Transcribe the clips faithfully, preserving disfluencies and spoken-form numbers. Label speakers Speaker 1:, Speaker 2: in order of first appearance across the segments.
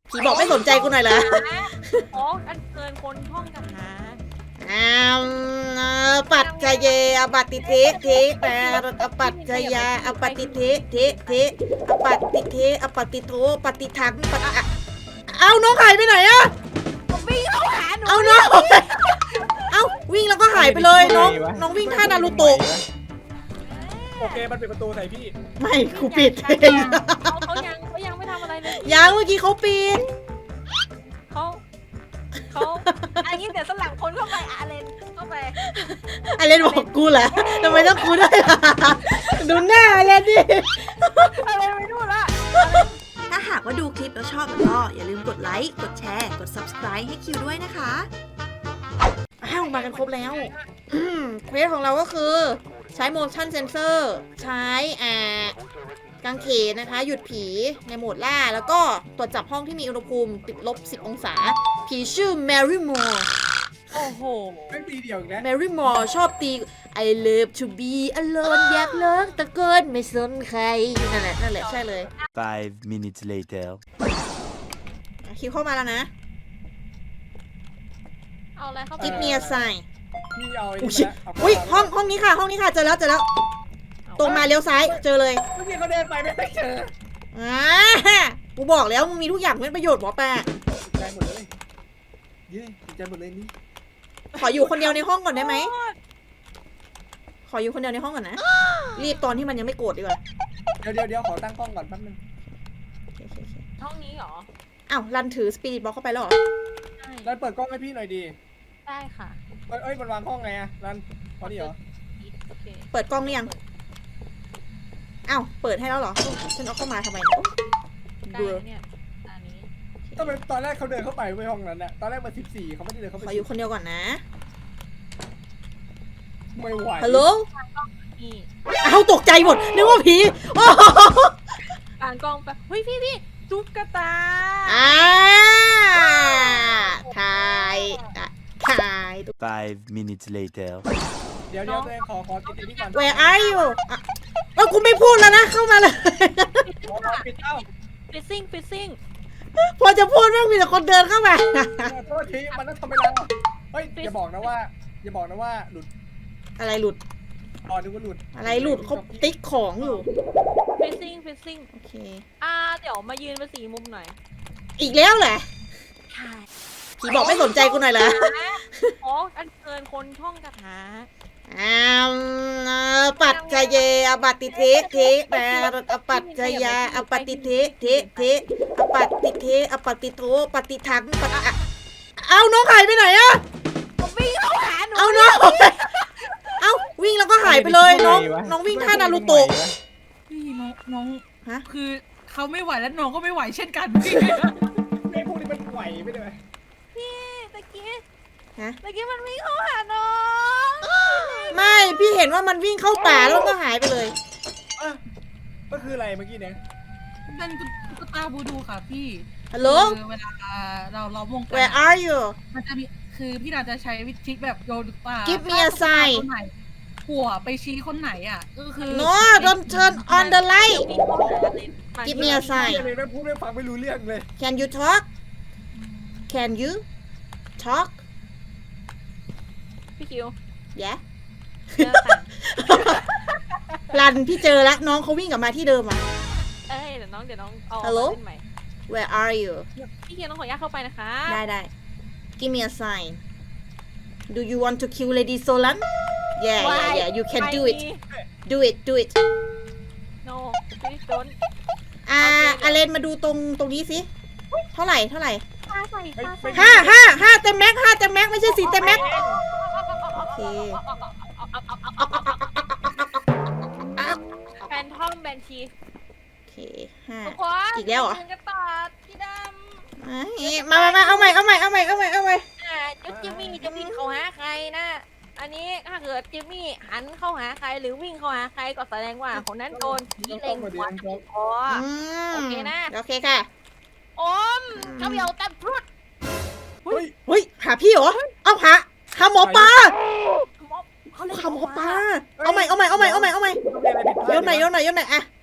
Speaker 1: ผีบอกไม่สนใจกูหน่อยเหรอ
Speaker 2: อ๋ออันเกินคนท่องคาถา
Speaker 1: อ้าวปัจจเยอปฏิเทเทแต่อปัจจยาอปฏิเทเทเทอปฏิเทอปฏิโทปฏิทังปฏิอะเอาน้องหายไปไหนอะ
Speaker 2: ผมวิ่งเข้าหาหนู
Speaker 1: เอาน้องเอาวิ่งแล้วก็หายไปเลยน้องน้องวิ่งท่านารูโตะ
Speaker 3: โอเคมันปิดประตูใส่พี่
Speaker 1: ไม่กูปิด
Speaker 2: เขาเขายังเขายังไม่ทำอะไรเลย
Speaker 1: ยังเมื่อกี้เขาปิด
Speaker 2: เขาเขาอันนี้เดี๋ยวสลับคนเข้าไปอาเลนเข้าไป
Speaker 1: อะไรบอกกูเหรอทำไมต้องกูด้วยล่ะดูหน้าอะไรดิ
Speaker 2: อะไรไม่รู้ละ
Speaker 1: ถ้าหากว่าดูคลิปแล้วชอบก็อย่าลืมกดไลค์กดแชร์กด ซับสไครบ์ ให้คิวด้วยนะคะอ้าวมากันครบแล้วอืมเควสของเราก็คือใช้ motion sensor ใช้อ่ากางเขนนะคะ หยุดผีในโหมดล่า แล้วก็ตรวจจับห้องที่มีอุณหภูมิติดลบสิบองศา ผีชื่อ Mary Moore
Speaker 2: โอ้โห
Speaker 3: ไม่ตีเดียวอีกแล้ว
Speaker 1: Mary Moore ชอบตี I love to be alone อยากเลิกตะเกินไม่สนใคร นั่นแหละ นั่นแหละ ใช่เลย
Speaker 4: Five minutes later.
Speaker 1: คิวเข้ามาแล้วนะ
Speaker 2: เอาอะไรเข้าไป
Speaker 1: Give me a sign
Speaker 3: พี่เอาไอ้
Speaker 1: อุ๊ย
Speaker 3: นี่มาแล้ว
Speaker 1: อุ้ยห้องห้องนี้ค่ะ ห้องนี้ค่ะเจอแล้วเจอแล้ว ตรงมาเลี้ยวซ้ายเจอเลย
Speaker 3: เมื่อกี้เขาเดินไปไม่เจอ
Speaker 1: อ่ากูบอกแล้วมึงมีทุกอย่างเป็นประโยชน์หมอแปะ
Speaker 3: ใจหมดเลยเย้ใจหมดเลยนี่
Speaker 1: ขออยู่คนเดียวในห้องก่อนได้ไหมขออยู่คนเดียวในห้องก่อนนะรีบตอนที่มันยังไม่โกรธดีกว่า
Speaker 3: เดี๋ยวเดี๋ยวเดี๋ยวขอตั้งกล้องก่อนแป๊บนึง
Speaker 1: โอเคโอเคโอเค
Speaker 2: ห้องนี้เหรอ
Speaker 1: อ้าวรันถือสปิริตบล็อกเข้าไปแล้วเหรอ
Speaker 2: ใช่
Speaker 3: รันเปิดกล้องให้พี่หน่อยดี
Speaker 2: ได้ค่ะ
Speaker 3: เอ้ยเอ้ยมันวางกล้องไงอะรันพอดีเหรอ
Speaker 2: โอเค
Speaker 1: เปิดกล้องหรือยังอ้าวเปิดให้แล้วเหรอฉันเอาเข้ามาทำไมเนี่ย
Speaker 2: ได้
Speaker 1: เบื่อ
Speaker 2: เนี่ยอันนี้
Speaker 3: ทำไมตอนแรกเขาเดินเข้าไปไม่ห้องนั้นน่ะตอนแรกมาสิบสี่เขาไม่ได้เดินเข้าไป
Speaker 1: ขออยู่คนเดียวก่อนนะ
Speaker 3: ไม่ไหว
Speaker 1: ฮัลโหล
Speaker 2: นี่
Speaker 1: อ้าวตกใจหมดนึกว่าผีโอ้โห
Speaker 2: อ่านกล้องไปเฮ้ยพี่พี่ตุ๊กตา
Speaker 1: อ่าถ่ายอ่ะถ่าย
Speaker 4: Five minutes later.
Speaker 3: เดี๋ยวเดี๋ยวตัวเองขอขอติดติดนี่ก่อน
Speaker 1: Where are you อ่ะเออกูไม่พูดแล้วนะ เข้ามาเลย
Speaker 3: ขอขอปิดเอ้า
Speaker 2: ฟิซซิ่งฟิซซิ่ง
Speaker 1: พอจะพูดแม่งมีแต่คนเดินเข้ามา
Speaker 3: ขอโทษทีมันต้องทำเวลาเฮ้ยอย่าบอกนะว่าอย่าบอกนะว่าหลุด
Speaker 1: อะไรหลุด
Speaker 3: อ๋อนึกว่าหลุด
Speaker 1: อะไรหลุดเขาติ๊กของอยู่
Speaker 2: ฟิซซิ่งฟิซซิ่ง
Speaker 1: โอเค
Speaker 2: อ่าเดี๋ยวมายืนเป็นสีมุมหน่อย
Speaker 1: อีกแล้วเหรอ
Speaker 2: ใช่
Speaker 1: ผีบอกไม่สนใจกูหน่อยเหรอ
Speaker 2: อ๋ออันเกินคนท่องคาถา
Speaker 1: อ้าวปัจจเยอปฏิเทเทแต่อปัจจยาอปฏิเทเทเทอปฏิเทอปฏิโทปฏิทังปฏิอะเอาน้องหายไปไหนอะ
Speaker 2: ผมวิ่งเข้าหาหนู
Speaker 1: เอาน้องเอาวิ่งแล้วก็หายไปเลยน้องน้องวิ่งท่านารูโตะ
Speaker 5: พี่น้องน้อง
Speaker 1: ฮะ
Speaker 5: คือเขาไม่ไหวแล้วน้องก็ไม่ไหวเช่นกันพี่
Speaker 3: ไม่พวกนี้มันไหวไม่ได้ไหม
Speaker 2: พี่ตะกี้
Speaker 1: ฮะ
Speaker 2: ตะกี้มันวิ่งเข้าหาน้อง
Speaker 1: ไม่พี่เห็นว่ามันวิ่งเข้าป่าแล้วก็หายไปเลย
Speaker 3: เอ้ยก็คืออะไรเมื่อกี้เนี่ย
Speaker 5: เป็นตุ๊กตาบูดูค่ะพี่
Speaker 1: ฮัลโหล
Speaker 5: คือเวลาเราล้อมวงกั
Speaker 1: Where are you
Speaker 5: มันจะมีคือพี่นาจะใช้วิธีแบบโยนตุ๊กตา
Speaker 1: Give me a
Speaker 5: ถ้าตุ๊กตา
Speaker 1: sign
Speaker 5: คนไหนหัวไปชี้คนไหนอ่ะก็คือ
Speaker 1: No don't turn on the light
Speaker 2: วิ่งเข้าหาเลย
Speaker 1: Give me a sign
Speaker 3: เหี้ยเลยแม่งพูดไม่ฟังไม่รู้เรื่องเลย
Speaker 1: Can you talk Can you talk
Speaker 2: พี่คิว
Speaker 1: Yeah
Speaker 2: เจอค่ะ
Speaker 1: รันพี่เจอแล้วน้องเขาวิ่งกลับมาที่เดิมอ่ะ
Speaker 2: เอ้ยเดี๋ยวน้องเดี๋ยวน้องเอา
Speaker 1: Hello?
Speaker 2: เล่นใหม่
Speaker 1: Where are you
Speaker 2: พี่คิวต้องขออนุญาตเข้าไปนะคะ
Speaker 1: ได้ได้ Give me a sign Do you want to kill Lady Solan Yeah yeah yeah you can do it do it do it
Speaker 2: no please don't
Speaker 1: อ่าอเลนมาดูตรงตรงนี้สิเท่าไหร่เท่าไหร่
Speaker 2: ปาใส่ปาใส่
Speaker 1: ห้าห้าห้าเต็มแม็กห้าเต็มแม็กไม่ใช่สี่เต็มแม็กโอเค
Speaker 2: แฟนทอมแบนชี
Speaker 1: โอเคห้า
Speaker 2: ทุกคน
Speaker 1: อีกแล้วเหรอ
Speaker 2: ยืนกันต่อพี่ด
Speaker 1: มามามาเอาใหม่เอาใหม่เอาใหม่เอาใหม่เอาใหม่
Speaker 2: ำอ่าจุดจิมมี่จะวิ่งเข้าหาใครนะ อันนี้ถ้าเกิดจิมมี่หันเข้าหาใครหรือวิ่งเข้าหาใครก็แสดงว่าคนนั้นโดนผีเล็งหัวติดคอ
Speaker 1: อืม
Speaker 2: โอเคนะ
Speaker 1: โอเคค่ะ
Speaker 2: อมเขาเบียวตัดพรุด
Speaker 3: เฮ้ย
Speaker 1: เฮ้ยหาพี่เหรอเอาหาหาหมอปลา
Speaker 2: เขาเลย
Speaker 1: หาหมอปลาเอาใหม่เอาใหม่เอาใหม่เอาใหม่เอาใหม่
Speaker 3: ต้องมีอะไรผิดพลาด
Speaker 1: โยนหน่อยโยนหน่อยโยนหน่อยอะ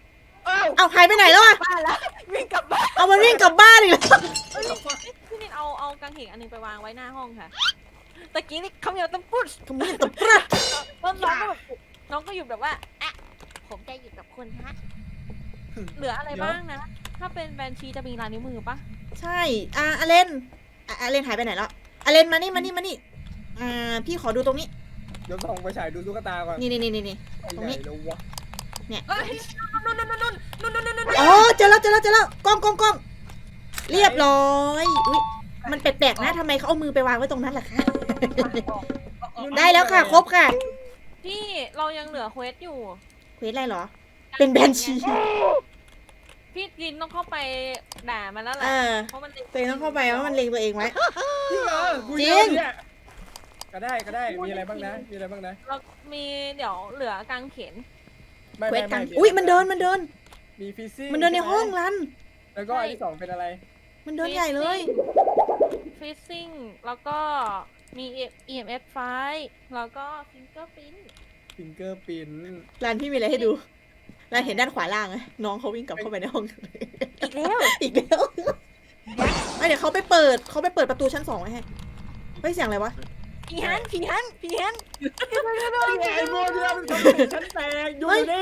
Speaker 3: เอ้า
Speaker 1: เอาหายไปไหนแล้วอะ
Speaker 2: บ้านละวิ่งกลับบ้าน
Speaker 1: เอามันวิ่งกลับบ้านอีกแล้ว
Speaker 2: เอ้ยพี่นิดเอาเอากางเขนอันหนึงไปวางไว้หน้าห้องค่ะตะกี้นี่คำเดียวตะปุ๊ด
Speaker 1: ทำไมตบกระ
Speaker 2: แล้วน้องก็แบบน้องก็อยู่แบบว่าอ่ะผมจะอยู่กับคุณฮะเหลืออะไรบ้างนะ ถ้าเป็นแบนชีจะมีลายนิ้วมือปะ
Speaker 1: ใช่อ่ะอเลนอ่ะอเลนหายไปไหนแล้วอเลนมานี่มานี่มานี่อ่าพี่ขอดูตรงนี้
Speaker 3: เดี๋ยวส่องไปฉายดูตุ๊กตาก่อน
Speaker 1: นี่นี่นี่นี่นี่ ตรงนี้
Speaker 3: ใหญ่เลยวะ
Speaker 5: เอ้ยนู่นนู่นนู่นนู่นนู่นนู่นนู่น
Speaker 1: อ๋อเจอแล้วเจอแล้วเจอแล้วกล้องกล้องกล้องเรียบร้อยอุ้ยมันแปลกๆนะทำไมเขาเอามือไปวางไว้ตรงนั้นล่ะคะ ได้แล้วค่ะ ครบค่ะ
Speaker 2: พี่เรายังเหลือเควสอยู่
Speaker 1: เควสอะไรเหรอ เป็นแบนชี
Speaker 2: พี่กินต้องเข้าไปด่ามันแล้วแห
Speaker 1: เอ
Speaker 2: ละ
Speaker 1: อ
Speaker 2: เพราะมัน
Speaker 1: ตัวเองต้องเข้าไปว่ามันเล็งตัวเองไว้
Speaker 3: จริงเหรอกู
Speaker 1: จริ
Speaker 3: เย
Speaker 1: ง
Speaker 3: อะเนี่ยก็ได้ก็ได้มีอะไรบ้างนะมีอะไรบ้างนะ
Speaker 2: เรามีเดี๋ยวเหลือกางเขน
Speaker 3: ไม่
Speaker 1: เคว
Speaker 3: ไม่
Speaker 1: สกัน
Speaker 3: ไม่
Speaker 1: อุ้ยมันเดินมันเดิน
Speaker 3: มีฟิซซิ่ง
Speaker 1: มันเดินในห้องรัน
Speaker 3: แล้วก็อันที่สองเป็นอะไร
Speaker 1: มันเดินใหญ่เลย
Speaker 2: ฟิซซิ่งแล้วก็มี อี เอ็ม เอฟ ไฟล์แล้วก็ฟิงเกอร์พิ้น
Speaker 3: ฟิงเกอร์ปิน
Speaker 1: รันพี่มีอะไรให้ดูรันเห็นด้านขวาล่างไหมน้องเขาวิ่งกลับเข้าไปในห้อง
Speaker 2: อีกแล้ว
Speaker 1: อีกแล้วเอ้ยเดี๋ยวเขาไปเปิดเขาไปเปิดประตูชั้นสองไว้ให้เฮ้ยเสียงอะไรวะ
Speaker 2: ผีฮันผีฮันผีฮัน
Speaker 3: ไอ้โมเดลมันทำให้ฉันแตกอยู่นี่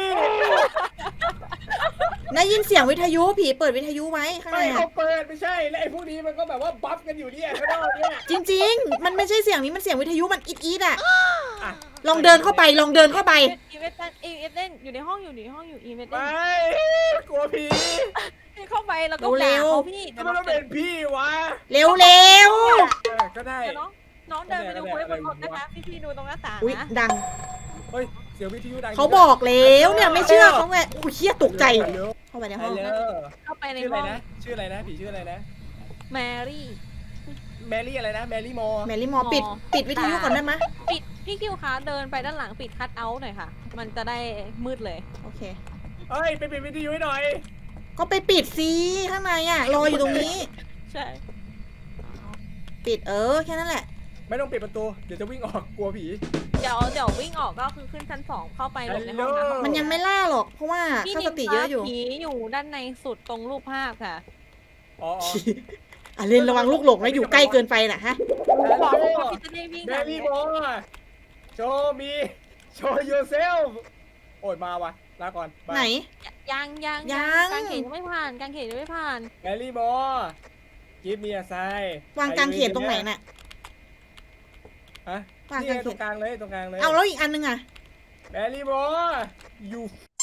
Speaker 1: ได้ยินเสียงวิทยุผีเปิดวิทยุไว้ข้างใน
Speaker 3: ไม่
Speaker 1: อะ
Speaker 3: เขาเปิดไม่ใช่แล้วไอ้พวกนี้มันก็แบบว่าบัฟกันอยู่เนี่ยข้างนอกเนี่ย
Speaker 1: จริง ๆ มันไม่ใช่เสียงนี้มันเสียงวิทยุมันอีดอีดอะ
Speaker 3: อ่ะ
Speaker 1: ลองเดินเข้าไปลองเดินเข้าไป
Speaker 2: อีเวนต์อีเวนต์เล่นอยู่ในห้องอยู่ในห้องอยู่อีเวนต์
Speaker 3: ไป
Speaker 2: เล่น
Speaker 3: กลัวผี
Speaker 2: เข้าไปแล้วก็
Speaker 1: เร็
Speaker 2: ด่าว
Speaker 1: ๆ
Speaker 2: เขาพี่
Speaker 3: ทำ
Speaker 2: เดี๋ยว
Speaker 3: ไม
Speaker 2: น้อง
Speaker 3: ต้องเป็นพี่วะ
Speaker 1: เร็วเร็ว
Speaker 3: เออก็ได้
Speaker 2: เดี๋ยวน้องน้องเดินไปดูเควสบนรถนะคะพี่พี่ดูตรงหน้าต่าง
Speaker 1: อุ้ย
Speaker 2: นะ
Speaker 1: ดัง
Speaker 3: เฮ้ยเสียงวิทยุดัง
Speaker 1: เขาบอกแล้วเนี่ยไม่เชื่อเขาไงอุ้ยเฮียตกใจ
Speaker 3: ฮัลโหล
Speaker 1: เข้าไปใน
Speaker 3: ฮั
Speaker 1: ห้
Speaker 3: ล
Speaker 1: อง
Speaker 3: โหล
Speaker 2: เข้าไปใน
Speaker 3: ชื่ออะไร
Speaker 2: ห้อง
Speaker 3: นะชื่ออะไรนะผีชื่ออะไรนะ
Speaker 2: แมรี่
Speaker 3: แมรี่อะไรนะแมรี่มอ
Speaker 1: แมรี่มอปิดปิดวิทยุก่อนได้ไหม
Speaker 2: ปิดพี่คิวคะเดินไปด้านหลังปิดคัทเอาท์หน่อยค่ะ มันจะได้มืดเลย
Speaker 1: โอเค
Speaker 3: เฮ้ยไปปิดวิทยุให้หน่อย
Speaker 1: ก็ไปปิดสิข้างในอ่ะรออยู่ตรงนี้
Speaker 2: ใช่
Speaker 1: ปิดเออแค่นั้นแหละ
Speaker 3: ไม่ต้องปิดประตูเดี๋ยวจะวิ่งออกกลัวผี
Speaker 2: เดี๋ยวเดี๋ยววิ่งออกก็คือขึ้นชั้นสองเข้าไปหลบในห้องน้ำ
Speaker 1: มันยังไม่ล่าหรอกเพราะว่า
Speaker 2: พี่
Speaker 1: ค่า
Speaker 2: นิ
Speaker 1: ส
Speaker 2: น
Speaker 1: ติเยอะอยู่
Speaker 2: ผีอยู่ด้านในสุดตรงรูปภาพค่ะ
Speaker 3: อ๋อ
Speaker 1: อ่ะเรนระวังลูกหลงนะอยู่ใกล้เกินไปนะฮะ
Speaker 2: บอกว่าพี่จะได้วิ่ง
Speaker 3: แม
Speaker 2: แบบ
Speaker 3: รี่
Speaker 2: นี้
Speaker 3: มอโชว์มีโชว์ yourself โอ้ยมาว่ะลาก่อน
Speaker 1: ไหน
Speaker 2: ยังยัง
Speaker 1: ยัง
Speaker 2: กางเขนยังไม่ผ่านกางเขนยังไม่ผ่าน
Speaker 3: แมรี่มอ give me a sign
Speaker 1: วางกางเขนตรงไหนน่ะ
Speaker 3: ฮะ
Speaker 1: วาง
Speaker 3: นี่
Speaker 1: กาง
Speaker 3: ไง
Speaker 1: เข
Speaker 3: ตร
Speaker 1: น
Speaker 3: งกลางเลยตรงกลางเลย
Speaker 1: เอาแล้วอีกอันนึงอ่ะ
Speaker 3: แมรี่มอ you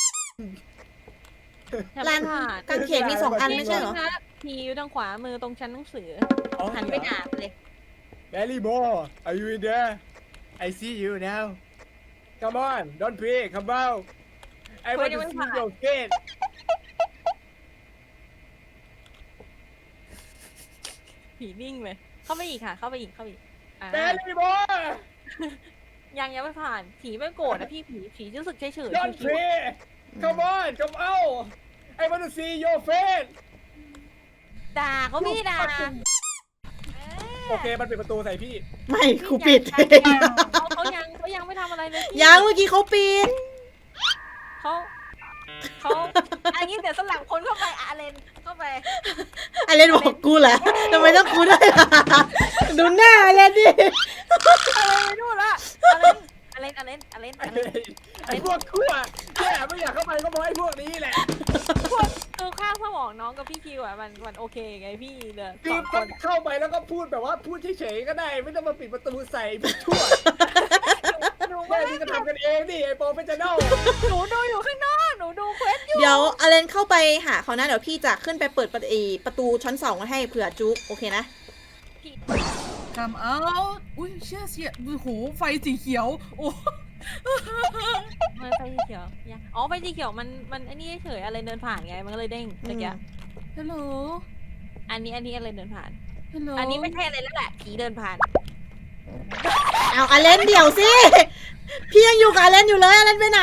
Speaker 2: ยัง
Speaker 1: ร้า
Speaker 2: ไม่
Speaker 1: น
Speaker 2: ผ่าน
Speaker 1: กางเขนมีสองอันไม่ใช่เหรอ
Speaker 2: ผีอยู่ทางขวามือตรงชั้นหนังสือ
Speaker 3: อ๋อ
Speaker 2: หันไปอ่านเลย
Speaker 3: Mary Moore, are you in there? I see you now. Come on, don't pray, come out. I want to see your face.
Speaker 2: ผีนิ่งเลยเข้าไปอีกค่ะ เข้าไปอีกเข้าไปอีกอ่า
Speaker 3: Mary Moore,
Speaker 2: ยังยังไม่ผ่านผีไม่โกรธนะพี่ผีผีรู้สึกเฉยเฉย
Speaker 3: don't pray. Come on, come out. I want to see your face.
Speaker 2: ด่าเขาพี่ด่า
Speaker 3: โอเค มันปิดประตูใส่พี่
Speaker 1: ไม่กูปิด
Speaker 2: เขาเขายังเขายังไม่ทำอะไรเลยพี่
Speaker 1: ยังเมื่อกี้เขาปิด
Speaker 2: เขาเขาอันนี้เดี๋ยวสลับคนเข้าไปอะเลนเข้าไป
Speaker 1: อเลนบอกกูเหรอทำไมต้องกูด้วยล่ะดูหน้าอเลนดิ
Speaker 2: อะไรไม่รู้ละอะเลนอะเลนอะเลนอะเลน
Speaker 3: ไอ้
Speaker 2: อะเลน
Speaker 3: ไอ้พวกชั่วแย่ไม่อยากเข้าไปก็เพราะไอ้พวกนี้แหละ
Speaker 2: พวกคือข้างสมองน้องกับพี่คิวอ่ะมันมันโอเคไงพี่เด้อ
Speaker 3: คือ
Speaker 2: สองค
Speaker 3: ก็
Speaker 2: น
Speaker 3: เข้าไปแล้วก็พูดแบบว่าพูดเฉยๆก็ได้ ไม่ต้องมาปิดประตูใส่พวกชั่ว
Speaker 2: หนู
Speaker 3: แค่นี้ก็ทำกันเองดิไอ้โปรเฟชชั่นอล
Speaker 2: หนูดูอยู่ข้างนอกหนูดูเควสอยู่
Speaker 1: เดี๋ยวอเลนเข้าไปหาเขานะเดี๋ยวพี่จะขึ้นไปเปิดประตูประตูชั้นสองไว้ให้เผื่อจุ๊กโอเคนะ
Speaker 5: ทำเอาอุ้ยเชื่อเสียโอ้โหไฟสีเขียว โอ้
Speaker 2: มันไฟสีเขียวยังอ๋อไฟสีเขียวมันมันอันนี้เฉยอะไรเดินผ่านไงมันก็เลยเด้งเมื่อกี้
Speaker 5: ฮัลโหล
Speaker 2: อันนี้อันนี้อะไรเดินผ่าน
Speaker 5: ฮัลโหล
Speaker 2: อันนี้ไม่ใช่อะไรแล้วแหละผีเดินผ่าน
Speaker 1: เอาอเลนเดี๋ยวสิพี่ยังอยู่กับอเลนอยู่เลยอเลนไปไหน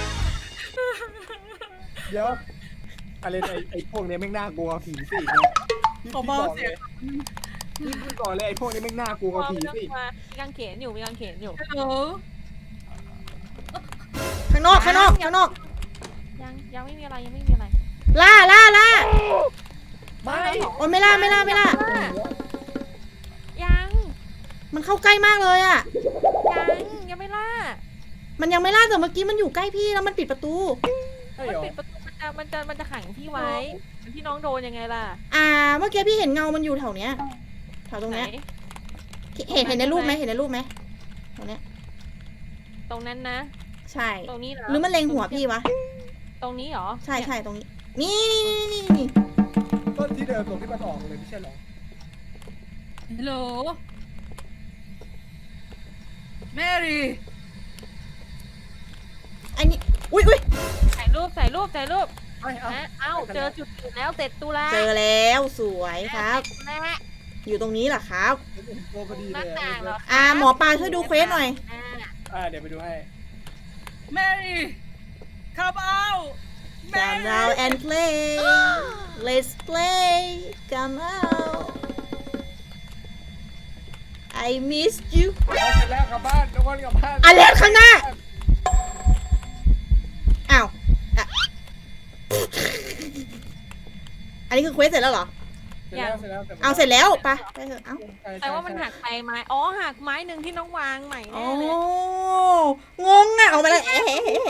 Speaker 3: เดี๋ยวอะไรไอ้ไอ้พวกนี้แม่งน่ากลัวผีสิพี่
Speaker 5: ขอ
Speaker 3: พี่
Speaker 5: เบา
Speaker 3: บอก
Speaker 5: เสี
Speaker 3: เลย ย
Speaker 5: ง
Speaker 3: พี่พูดก่อนเลยไอ้พวกนี้แม่งน่ากลัวกว่าผี
Speaker 2: มี
Speaker 3: สิ
Speaker 2: กางเขนอยู่มีกางเขนอยู่
Speaker 5: ฮัลโหล
Speaker 1: ข้างนอกข้างนอกข้างนอก
Speaker 2: ยังยังไม่มีอะไรยังไม่มีอะไร
Speaker 1: ล่าล่าล่า
Speaker 3: ไม่
Speaker 1: โอ้ยไม่ล่าไม่ล่าไม่ล่า
Speaker 2: ยัง
Speaker 1: มันเข้าใกล้มากเลยอ่ะ
Speaker 2: ยังยังไม่ล่า
Speaker 1: มันยังไม่ล่าแต่เมื่อกี้มันอยู่ใกล้พี่แล้วมันปิดประตู
Speaker 3: ใช่
Speaker 2: มัน
Speaker 3: เหรอ
Speaker 2: ปิดประตูมันจะมันจะมันจะขังพี่ไว้ที่น้องโดนยังไงล่ะ
Speaker 1: อ่า เมื่อกี้พี่เห็นเงามันอยู่แถวเนี้ยแถวตรง
Speaker 2: ไหน
Speaker 1: เนี้ยเห็นเห็นในรูปไหมเห็นในรูปไหมตรงเนี้ย
Speaker 2: ตรงนั้นนะ
Speaker 1: ใช่
Speaker 2: ตรงนี้เหรอ
Speaker 1: หรือมันเล็งหัวพี่วะ
Speaker 2: ตรงนี้เหรอ
Speaker 1: ใช่ใช่ตรงนี้ นี่นี่นี่นี่
Speaker 3: ต้นที่เดิมตรงที่มันออกเลยไม่ใช่เหรอ
Speaker 5: ฮัลโหลแมรี่
Speaker 1: ไอ้นี่อุ้ยอุ้ย
Speaker 2: ถ่ายรูปถ่ายรูปถ่ายรูป
Speaker 3: ไม่เอา
Speaker 2: นะเอ้าเจอจุดจุดแล้วเสร็จตุลา
Speaker 1: เจอแล้วสวยครับ
Speaker 2: แม่
Speaker 1: อยู่ตรงนี้เหรอครับ
Speaker 3: เห็นตัวพอดี
Speaker 2: ห
Speaker 3: เล
Speaker 2: น้าย ต่างเหรอ
Speaker 1: อ่าหมอปลาช่วยดูเควสหน่อย
Speaker 2: อ่า
Speaker 3: อ่าเดี๋ยวไปดูให้
Speaker 5: แมรี่ come out
Speaker 1: Come out and play Let's play Come out I miss you
Speaker 3: เอาเสร็จแล้วกลับบ้านทุกคนกลับบ้าน
Speaker 1: อันแรกข้างหน้า อ้าวอ่ะอันนี้คือเควสเสร็จแล้วเหรอ
Speaker 3: เสร็จแล้วเสร็จแล้ว
Speaker 1: เอาเสร็จแล้วไปไปเถอะเอ้า
Speaker 3: ใช่ใช่
Speaker 2: แต่ว่ามันหักไปไม้อ๋อหักไม้หนึ่งที่น้องวางใหม่
Speaker 1: โอ้
Speaker 2: แน่เลย
Speaker 1: งงอ่ะเอามาเลยเอ๊ะ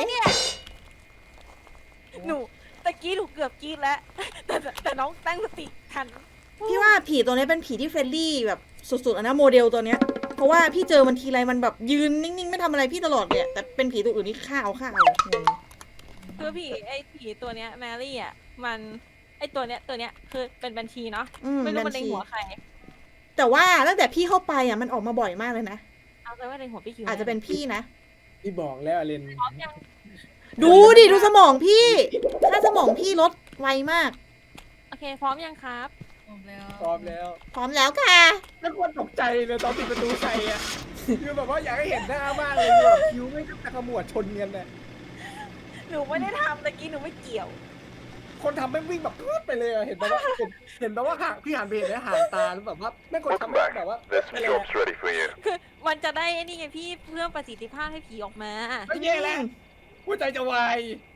Speaker 2: หนูตะกี้หนูเกือบกรีดแล้ว แต่แต่แต่น้องตั้งสติทัน
Speaker 1: พี่ว่าผีตัวนี้เป็นผีที่เฟรนลี่แบบสุดๆอะนะโมเดลตัวเนี้ย เพราะว่าพี่เจอมันทีไรมันแบบยืนนิ่งๆไม่ทำอะไรพี่ตลอดเลยอะแต่เป็นผีตัวอื่นนี่ฆ่าเอาฆ่าเอางง
Speaker 2: คือผีไอ้ผีตัวเนี้ยแมรี่อ่ะมันไอ้ตัวเนี้ยตัวเนี้ยคือเป็นบัญชีเนาะ
Speaker 1: อืม
Speaker 2: ไม่รู้
Speaker 1: บั
Speaker 2: มัน
Speaker 1: ญ
Speaker 2: เล็ง
Speaker 1: ชี
Speaker 2: หัวใคร
Speaker 1: แต่ว่าตั้งแต่พี่เข้าไปอ่ะมันออกมาบ่อยมากเลยนะ
Speaker 2: เอาไปว่าเล็งหัวพี่คิว
Speaker 1: อาจจะเป็นพี่นะ
Speaker 3: ที่บอกแล้วอเลน
Speaker 2: พร้อมยัง
Speaker 1: ดูดิดูสมองพี่ค่าสมองพี่ลดไวมาก
Speaker 2: โอเคพร้อมยังครับ
Speaker 5: จบแล้ว
Speaker 3: พร้อมแล้ว
Speaker 1: พร้อมแล้วค่ะ
Speaker 3: แล้วคนตกใจเลยตอนปิดประตูใส่อะคือแบบว่าอยากให้เห็นหน้ามากเลยแบบคิ้วไม่กับตะขมวดชนกันเลย
Speaker 2: หนูไม่ได้ทำตะกี้หนูไม่เกี่ยว
Speaker 3: คนทำไม่งวิ่งแบบพืดไปเลยอะเห็นแบบว่าเห็นเห็นแบบว่าห่างพี่หันไปเห็นแล้วห่างตาแล้วแบบว่าไม่งคนทำไม่งแบบว่า
Speaker 6: This
Speaker 3: ไม่เลย
Speaker 6: job's ready for you.
Speaker 2: คือมันจะได้ไอ้นี่ไงพี่เพิ่มประสิทธิภาพให้ผีออกมา
Speaker 3: ไม่แย่แล้วหัวใจจะวาย